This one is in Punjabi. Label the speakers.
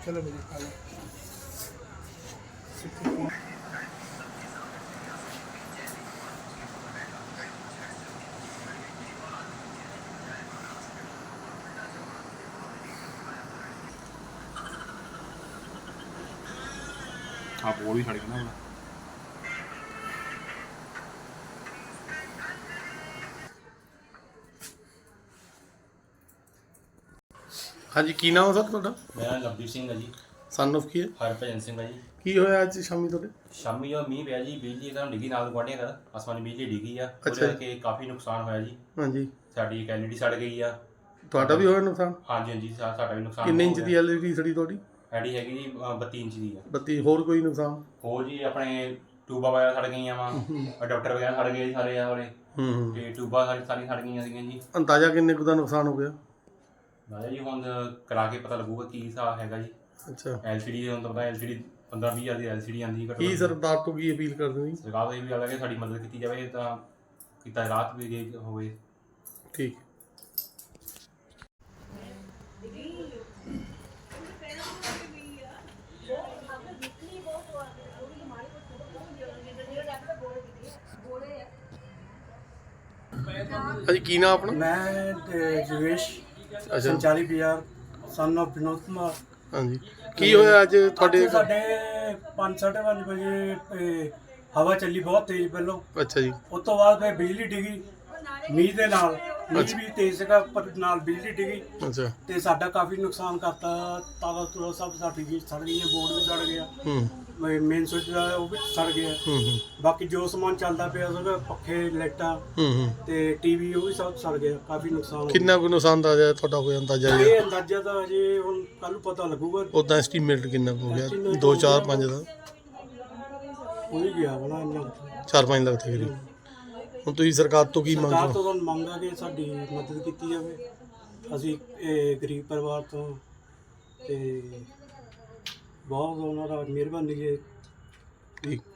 Speaker 1: चलो मेरी खा लो।
Speaker 2: हाँ बोल ही छड़ गया ना।
Speaker 1: हाँ जी, की नाम है सर ਤੁਹਾਡਾ?
Speaker 3: ਮੇਰਾ ਨਾਮ ਲਵਦੀਪ ਸਿੰਘ ਹੈ ਜੀ।
Speaker 1: ਸਨ ਆਫ ਕੀ ਹੈ?
Speaker 3: ਹਰਭਜਨ ਸਿੰਘ ਹੈ ਜੀ।
Speaker 1: ਕੀ ਹੋਇਆ ਅੱਜ ਸ਼ਾਮੀ ਤੁਹਾਡੇ?
Speaker 3: ਸ਼ਾਮੀ ਜਦੋਂ ਮੀਂਹ ਪਿਆ ਜੀ, ਬਿਜਲੀ ਇੱਕਦਮ ਡਿੱਗੀ ਨਾਲ ਗੁਆਂਢੀਆਂ ਘਰ, ਆਸਮਾਨੀ ਬਿਜਲੀ ਡਿੱਗੀ ਆ। ਉਹਦੇ
Speaker 1: ਅੱਛਾ ਜੀ।
Speaker 3: ਕਰਕੇ ਕਾਫੀ ਨੁਕਸਾਨ ਹੋਇਆ ਜੀ।
Speaker 1: ਹਾਂਜੀ,
Speaker 3: ਸਾਡੀ ਇੱਕ ਐਲਈਡੀ ਸੜ ਗਈ ਆ।
Speaker 1: ਤੁਹਾਡਾ ਵੀ ਹੋਇਆ ਨੁਕਸਾਨ?
Speaker 3: ਹਾਂਜੀ ਹਾਂਜੀ, ਸਾਡਾ ਵੀ ਨੁਕਸਾਨ
Speaker 1: ਕਿੰਨੇ
Speaker 3: ਹੋ
Speaker 1: ਇੰਚ ਦੀ
Speaker 3: ਗਿਆ।
Speaker 1: ਐਲਈਡੀ ਸੜੀ ਤੁਹਾਡੀ?
Speaker 3: ਸਾਡੀ ਹੈਗੀ ਜੀ 32 ਇੰਚ ਦੀ ਆ।
Speaker 1: 32। ਹੋਰ ਕੋਈ ਨੁਕਸਾਨ?
Speaker 3: ਹੋਰ ਜੀ ਆਪਣੇ ਟਿਊਬਾਂ ਵਗੈਰਾ ਸੜ ਗਈਆਂ ਵਾ, ਅਡਾਪਟਰ ਵਗੈਰਾ ਸੜ ਗਏ ਜੀ ਸਾਰੇ ਆ ਵਾਲੇ,
Speaker 1: ਹੂੰ।
Speaker 3: ਤੇ ਟਿਊਬਾਂ ਸਾਰੀਆਂ ਸੜ ਗਈਆਂ ਸੀਗੀਆਂ ਜੀ।
Speaker 1: ਅੰਦਾਜ਼ਾ ਕਿੰਨੇ ਕੁ ਦਾ ਨੁਕਸਾਨ ਹੋ ਗਿਆ?
Speaker 3: ਨਾਲੇ ਜੀ ਹੁਣ ਕਰਾ ਕੇ ਪਤਾ ਲੱਗੂਗਾ ਕੀ ਹਿਸਾਬ ਹੈਗਾ ਜੀ।
Speaker 1: ਅੱਛਾ,
Speaker 3: ਐਲਸੀਡੀ ਹੁਣ ਤਾਂ ਪਤਾ ਐਲਸੀਡੀ 15-20 ਹਜ਼ਾਰ ਦੀ ਐਲਸੀਡੀ ਆਉਂਦੀ ਹੈ।
Speaker 1: ਕੀ ਸਰਕਾਰ ਤੋਂ ਕੀ ਅਪੀਲ ਕਰਦੇ ਹੋ ਜੀ?
Speaker 3: ਸਰਕਾਰ ਦਾ ਇਹ ਵੀ ਹਾਲਾਂਕਿ ਸਾਡੀ ਮਦਦ ਕੀਤੀ ਜਾਵੇ ਤਾਂ ਕੀਤਾ ਰਾਹਤ ਵੀ ਦੇ ਹੋਵੇ।
Speaker 1: ਠੀਕ। ਹਾਂਜੀ, ਕੀ ਨਾਮ ਆਪਣਾ?
Speaker 4: ਮੈਂ ਜਵੇਸ਼
Speaker 1: ਅੱਛਾ,
Speaker 4: ਸੰਚਾਰੀ ਬਾਜ਼ਾਰ ਸਨ ਆਫ ਵਿਨੋਦ ਕੁਮਾਰ।
Speaker 1: ਹਾਂਜੀ। ਕੀ ਹੋਇਆ ਅੱਜ ਤੁਹਾਡੇ?
Speaker 4: ਅੱਜ ਸਾਡੇ 5:30 ਵਜੇ ਹਵਾ ਚੱਲੀ ਬਹੁਤ ਤੇਜ਼ ਪਹਿਲੋਂ।
Speaker 1: ਅੱਛਾ ਜੀ।
Speaker 4: ਉਸ ਤੋਂ ਬਾਅਦ ਫਿਰ ਬਿਜਲੀ ਡਿੱਗੀ ਮੀਂਹ ਦੇ ਨਾਲ। ਮੀਂਹ ਵੀ ਤੇਜ਼ ਸੀਗਾ ਪਰ ਨਾਲ ਬਿਜਲੀ ਡਿੱਗੀ
Speaker 1: ਅੱਛਾ।
Speaker 4: ਤੇ ਸਾਡਾ ਕਾਫੀ ਨੁਕਸਾਨ ਕਰਤਾ। ਤਾਰਾਂ ਤੂਰਾਂ ਸਭ ਸਾਡੀ ਵੀ ਸੜ ਗਈਆਂ, ਬੋਰਡ ਵੀ ਸੜ ਗਿਆ,
Speaker 1: ਹੂੰ
Speaker 4: ਮੇਨ ਸੁੱਚ ਦਾ ਉਹ ਵੀ ਸੜ ਗਿਆ।
Speaker 1: ਹੂੰ ਹੂੰ
Speaker 4: ਬਾਕੀ ਜੋ ਸਮਾਨ ਚੱਲਦਾ ਪਿਆ ਸੀਗਾ, ਪੱਖੇ, ਲਾਈਟਾਂ
Speaker 1: ਹੂੰ।
Speaker 4: ਤੇ ਟੀਵੀ, ਉਹ ਵੀ ਸਭ ਸੜ ਗਿਆ। ਕਾਫੀ ਨੁਕਸਾਨ ਹੋ ਗਿਆ।
Speaker 1: ਕਿੰਨਾ ਕੁ ਨੁਕਸਾਨ ਦਾ ਤੁਹਾਡਾ ਹੋਇਆ ਅੰਦਾਜ਼ਾ?
Speaker 4: ਇਹ ਅੰਦਾਜ਼ਾ ਤਾਂ ਅਜੇ ਹੁਣ ਕੱਲ ਨੂੰ ਪਤਾ ਲੱਗੂਗਾ।
Speaker 1: ਉਦਾਂ ਐਸਟੀਮੇਟ ਕਿੰਨਾ ਕੁ ਹੋ ਗਿਆ? 2 4 5 ਦਾ?
Speaker 4: ਹੋ ਹੀ ਗਿਆ ਬਣਾ ਇੰਨਾ।
Speaker 1: 4-5 ਲੱਖ ਦੇ ਕਰੀਬ। ਹੁਣ ਤੁਸੀਂ ਸਰਕਾਰ ਤੋਂ ਕੀ
Speaker 4: ਸਰਕਾਰ
Speaker 1: ਮੰਗਦੇ
Speaker 4: ਤੋਂ
Speaker 1: ਹੋ?
Speaker 4: ਤਾਂ ਮੰਗ ਆ ਕਿ ਸਾਡੀ ਮਦਦ ਕੀਤੀ ਜਾਵੇ। ਅਸੀਂ ਇਹ ਗਰੀਬ ਪਰਿਵਾਰ ਤੋਂ ਤੇ ਬਹੁਤ ਉਹਨਾਂ ਦਾ ਮਿਹਰਬਾਨੀ ਜੀ।
Speaker 1: ਠੀਕ।